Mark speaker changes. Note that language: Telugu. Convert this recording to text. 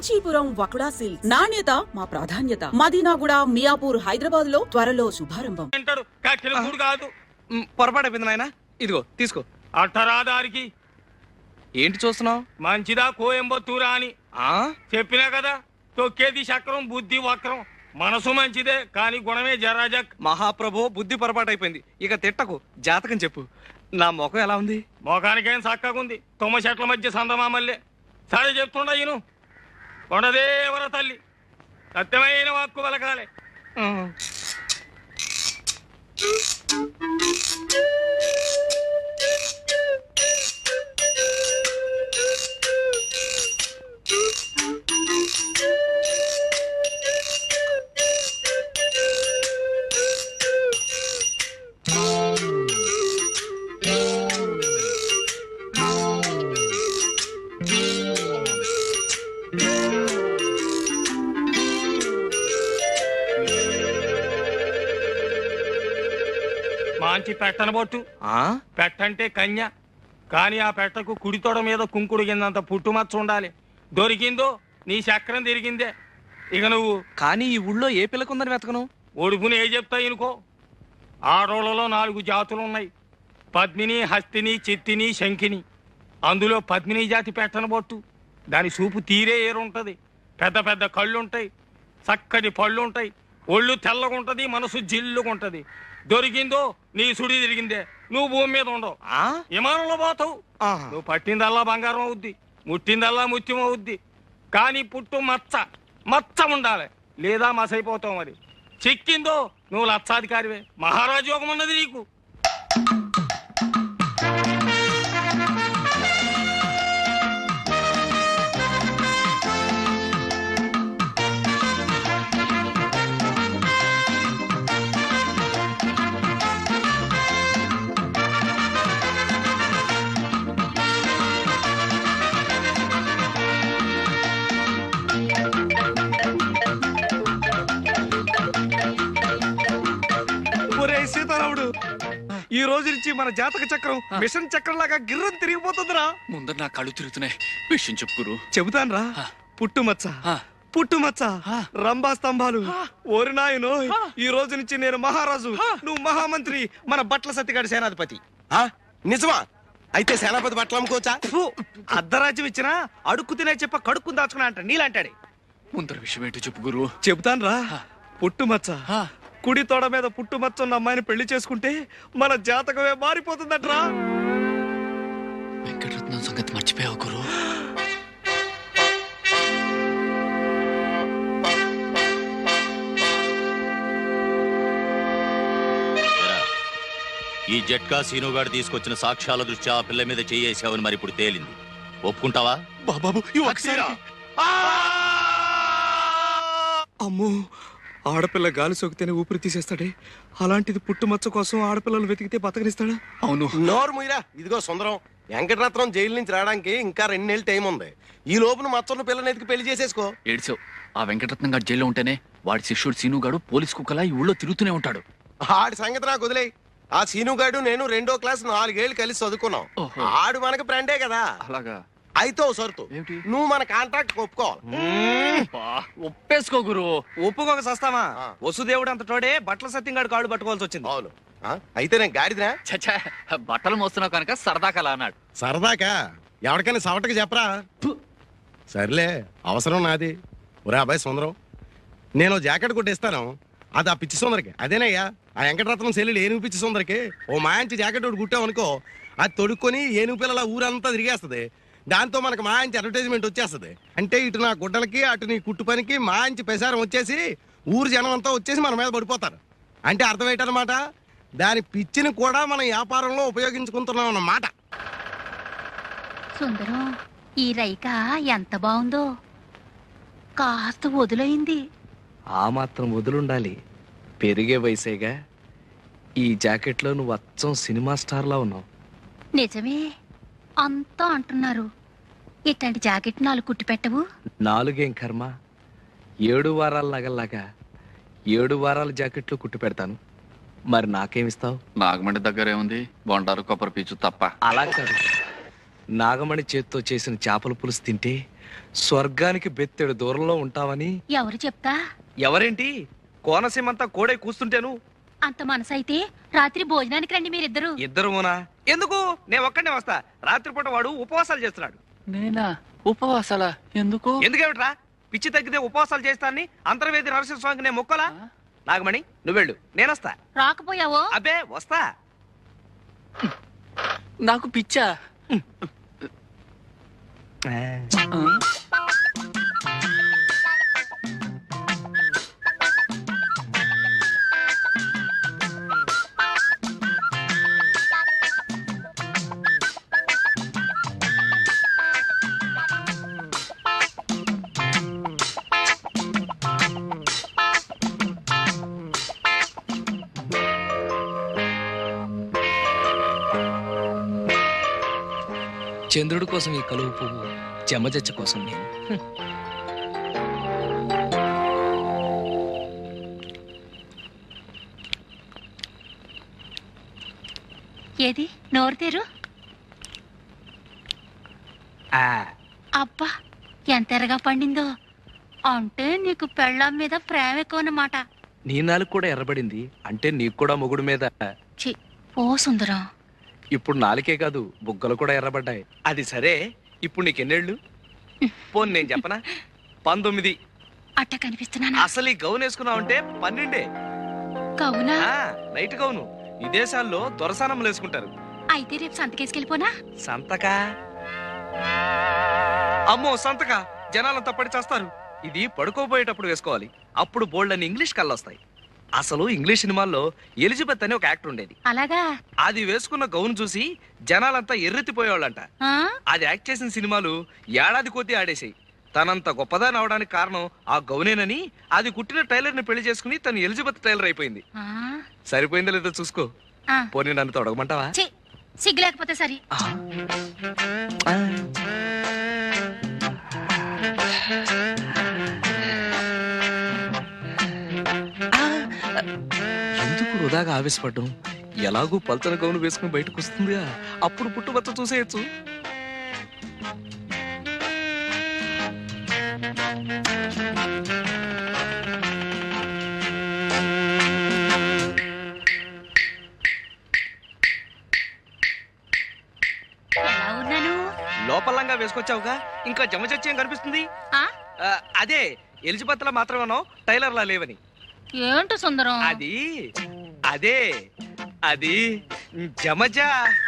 Speaker 1: కాంచీపురం వకుడా సిల్క్స్ నాణ్యత మా ప్రాధాన్యత. మదీనాగూడ, మియాపూర్, హైదరాబాద్ లో త్వరలో శుభారంభం.
Speaker 2: కాదు
Speaker 3: పొరపాటు అయిపోయింది నాయన. ఇదిగో తీసుకో.
Speaker 2: అట్టరాదారికి
Speaker 3: ఏంటి చూస్తున్నావు?
Speaker 2: మంచిదా కోయంబత్తూరా అని చెప్పినా కదా. తొక్కేది చక్రం, బుద్ధి వక్రం. మనసు మంచిదే కానీ గుణమే జరాజక్.
Speaker 3: మహాప్రభు, బుద్ధి పొరపాటు అయిపోయింది. ఇక తిట్టకు, జాతకం చెప్పు. నా ముఖం ఎలా ఉంది?
Speaker 2: మోకానికేం చక్కగుంది. తుమ్మ చెట్ల మధ్య సందమామల్లే. సరే చెప్తుండ ఈను. కొండదేవర తల్లి సత్యమైన వాక్కు పలకాలే. మంచి పెట్టనబొట్టు. పెట్టంటే కన్య, కానీ ఆ పెట్టకు కుడి తొడ మీద కుంకుడు కిందంత పుట్టుమచ్చ ఉండాలి. దొరికిందో నీ చక్రం తిరిగిందే. ఇక నువ్వు
Speaker 3: కానీ ఈ ఊళ్ళో ఏ పిల్లకుందని వెతకను?
Speaker 2: ఒడుపుని ఏ చెప్తా ఇనుకో. ఆడోళ్లలో 4 జాతులున్నాయి. పద్మిని, హస్తిని, చిత్తిని, శంఖిని. అందులో పద్మిని జాతి పెట్టనబొట్టు. దాని చూపు తీరే ఏరుంటది. పెద్ద పెద్ద కళ్ళుంటాయి, చక్కటి పళ్ళుంటాయి, ఒళ్ళు తెల్లగుంటది, మనసు జిల్లుగుంటది. దొరికిందో నీ సుడి తిరిగిందే. నువ్వు భూమి మీద ఉండవు, విమానంలో పోతావు. నువ్వు పట్టిందల్లా బంగారం అవుద్ది, ముట్టిందల్లా ముత్యం అవుద్ది. కానీ పుట్టు మచ్చ ఉండాలి, లేదా మసైపోతావు. మరి చిక్కిందో నువ్వు లక్షాధికారివే. మహారాజు యోగం ఉన్నది నీకు.
Speaker 3: సీతారాముడు, ఈ రోజు నుంచి మన జాతక చక్రం మిషన్ చక్రం లాగా గిర్రం తిరిగిపోతుందిరా.
Speaker 4: ముందర నా కళ్ళు తిరుగుతున్నాయి. విషయం చెప్పుకురు.
Speaker 3: చెబుతాను రా. పుట్టుమచ్చ, రంభా స్తంభాలు. ఓరి నాయనో, ఈ రోజు నుంచి నేను మహారాజు, నువ్వు మహామంత్రి, మన బట్ల సత్తిగాడి సేనాధిపతి.
Speaker 5: నిజమా? అయితే సేనాపతి బట్టలు అమ్ముకోవచ్చా?
Speaker 3: అర్ధరాజ్యం ఇచ్చినా అడుక్కు తినే చెప్ప కడుక్కుని దాచుకున్నా అంట నీలాంటాడే.
Speaker 4: ముందర విషయం ఏంటో చెప్పుకురు.
Speaker 3: చెబుతాను రా. పుట్టుమచ్చ, కుడి తోడ మీద పుట్టుమచ్చ ఉన్న అమ్మాయిని పెళ్లి చేసుకుంటే మన జాతకమే మారిపోతుందట్రా.
Speaker 4: వెంకటరత్నం సంగతి మర్చిపోయావు గురు.
Speaker 6: ఈ జట్కా సీనుగాడు తీసుకొచ్చిన సాక్ష్యాల దృష్ట్యా ఆ పిల్ల మీద చేయేసావని మరి ఇప్పుడు తేలింది. ఒప్పుకుంటావా?
Speaker 4: బాబాబు,
Speaker 3: అమ్మో, ఆడపిల్ల గాలి సోకితేనే ఊపిరి తీసేస్తాడే. అలాంటిది పుట్టుమచ్చ కోసం ఆడపిల్లలు వెతికితే బతకనిస్తాడా?
Speaker 4: అవును.
Speaker 5: నోరు ముయిరా. ఇదిగో సుందరం, వెంకటరత్నం జైలు నుంచి రావడానికి ఇంకా 2 నెలలు టైం ఉంది. ఈ లోపున మచ్చన్న పిల్లని ఎతికి పెళ్లి చేసేసుకో.
Speaker 4: ఏడ్చావు. ఆ వెంకటరత్నం గారు జైల్లో ఉంటేనే వాడి శిష్యుడు సీనుగాడు పోలీస్ కుక్కలా ఈ ఊళ్ళో తిరుగుతూనే ఉంటాడు.
Speaker 5: ఆడి సంగతి నాకు వదిలేయి. ఆ సీనుగాడు నేను 2వ క్లాస్ 4 ఏళ్ళు కలిసి చదువుకున్నాం. ఆడు మనకు ఫ్రెండే కదా.
Speaker 4: అలాగా?
Speaker 5: అయితే ఓ సరుతు, నువ్వు మన కాంట్రాక్ట్ ఒప్పుకోవాలి.
Speaker 4: ఒప్పేసుకో గురు.
Speaker 3: ఒప్పుకోక సస్తామా? వసుదేవుడు అంత తోడే బట్టల సత్యంగాడు కాడు పట్టుకోవాల్సి వచ్చింది.
Speaker 5: అవును. అయితే నేను గాడిదినా?
Speaker 4: చచ్చా, బట్టలు మోస్తున్నావు కనుక సరదాకలా అన్నాడు.
Speaker 5: సరదాకా? ఎవరికైనా సవటకి చెప్పరా? సర్లే, అవసరం నాది. ఒరే అబ్బాయి సుందరం, నేను జాకెట్ కొట్టిస్తాను. అది ఆ పిచ్చి సుందరికి. అదేనయ్యా ఆ వెంకటరత్నం సెల్లులు ఏనుగు పిచ్చి సుందరికి ఓ మాయించి జాకెట్ ఒకటి కుట్టామనుకో, అది తొడుక్కొని ఏనుగు పిల్లల ఊరంతా తిరిగేస్తుంది. దాంతో మనకు మాయించి అడ్వర్టైజ్మెంట్ వచ్చేస్తుంది. అంటే ఇటు నా గుడ్డలకి అటు నీ కుట్టు పనికి మాయించి ప్రసారం వచ్చేసి ఊరు జనం అంతా వచ్చేసి మన మీద పడిపోతారు. అంటే అర్థం ఏంటన్నమాట, దాని పిచ్చిని కూడా మనం వ్యాపారంలో ఉపయోగించుకుంటున్నాం అన్నమాట.
Speaker 7: సుందరం, ఈ రైక ఎంత బాగుందో. కాస్త వదులైంది.
Speaker 3: ఆ మాత్రం వదులుండాలి, పెరిగే వయసేగా. ఈ జాకెట్లో నువ్వు అచ్చం సినిమా స్టార్లా ఉన్నావు.
Speaker 7: నిజమే, అంతా అంటున్నారు. ఇట్లాంటి జాకెట్ 4 కుట్టి పెట్టవు?
Speaker 3: 4 కర్మ, 7 వారాల నగల్లాగా 7 వారాల జాకెట్లు కుట్టి పెడతాను. మరి నాకేమిస్తావు?
Speaker 4: నాగమండి దగ్గర ఏముంది? బొండారు, కొబ్బరి పీచు తప్ప.
Speaker 3: అలా కాదు, నాగమణి చేత్తో చేసిన చేపల పులుసు తింటే స్వర్గానికి బెత్తెడు దూరంలో ఉంటావని.
Speaker 7: ఎవరు చెప్తా?
Speaker 3: ఎవరేంటి, కోనసీమంతా కోడే కూస్తుంటేను.
Speaker 7: అంత మనసైతే రాత్రి భోజనానికి రండి మీరిద్దరు.
Speaker 3: ఇద్దరునా? ఎందుకు? నేను ఒక్కడే వస్తా. రాత్రిపూట వాడు ఉపవాసాలు చేస్తున్నాడు.
Speaker 4: నేనా? ఉపవాసాలా? ఎందుకు?
Speaker 3: ఎందుకేమిట్రా? పిచ్చి తగ్గితే ఉపవాసాలు చేస్తానని అంతర్వేది నరసింహ స్వామికి నేను మొక్కలా? నాగమణి, నువ్వెళ్ళు, నేనొస్తా.
Speaker 7: రాకపోయావో?
Speaker 3: అబ్బే వస్తా.
Speaker 4: నాకు పిచ్చా? ఆ?
Speaker 3: చంద్రుడి కోసం ఈ కలువు పువ్వు, చెమ్మజచ్చ కోసం నేను.
Speaker 7: ఏది నోరు తెరు. అబ్బా ఎంత ఎర్రగా పండిందో. అంటే నీకు పెళ్ళాం మీద ప్రేమ ఎక్కువ అన్నమాట.
Speaker 3: నీ నాలుగు కూడా ఎర్రబడింది అంటే నీకు కూడా మొగుడు మీద.
Speaker 7: ఛీ, ఓ సుందరం.
Speaker 3: ఇప్పుడు నాలుకే కాదు, బుగ్గలు కూడా ఎర్రబడ్డాయి. అది సరే, ఇప్పుడు నీకెన్నేళ్ళు? పోన్ నేను చెప్పనా? 19.
Speaker 7: అట్ట కనిపిస్తున్నానా?
Speaker 3: అసలు ఈ గౌన్ వేసుకున్నావంటే 12.
Speaker 7: కవునా?
Speaker 3: Night gown. ఈ దేశాల్లో దొరసానములు వేసుకుంటారు.
Speaker 7: అయితే రేపు సంతకేసుకెళ్ళిపోనా?
Speaker 3: సంతకా? అమ్మో సంతక, జనాలంతా పడి చేస్తారు. ఇది పడుకోబోయేటప్పుడు వేసుకోవాలి. అప్పుడు బోల్డ్ అని ఇంగ్లీష్ కళ్ళొస్తాయి. అసలు ఇంగ్లీష్ సినిమాల్లో ఎలిజబెత్ అని ఒక యాక్టర్ ఉండేది.
Speaker 7: అలాగా?
Speaker 3: అది వేసుకున్న గౌన్ చూసి జనాలంతా ఎర్రెత్తిపోయేవాళ్ళంట.
Speaker 7: ఆ?
Speaker 3: అది యాక్ట్ చేసిన సినిమాలు ఏడాది కొద్దీ ఆడేసాయి. తనంత గొప్పదాని అవడానికి కారణం ఆ గౌనేనని అది కుట్టిన టైలర్ ని పెళ్లి చేసుకుని తను ఎలిజబెత్ టైలర్ అయిపోయింది.
Speaker 7: ఆ?
Speaker 3: సరిపోయిందో లేదో చూసుకో.
Speaker 7: ఆ.
Speaker 3: పోనీ నన్ను తొడగమంటావా?
Speaker 7: ఛీ, సిగ్గు లేకపోతే సరి.
Speaker 3: ఎందుకు వృధాగా ఆవేశపడ్డం? ఎలాగూ పల్చన గౌను వేసుకుని బయటకు వస్తుందిగా, అప్పుడు పుట్టుబచ్చ చూసేయచ్చు.
Speaker 7: ఎలా ఉన్నాను?
Speaker 3: లోపలంగా వేసుకొచ్చావుగా, ఇంకా జమచచ్చేం కనిపిస్తుంది?
Speaker 7: ఆ?
Speaker 3: అదే ఎలిజబెత్ లా మాత్రమేనో టైలర్ లా లేవని.
Speaker 7: ఏంటో సుందరం?
Speaker 3: అది అదే అది జమజా.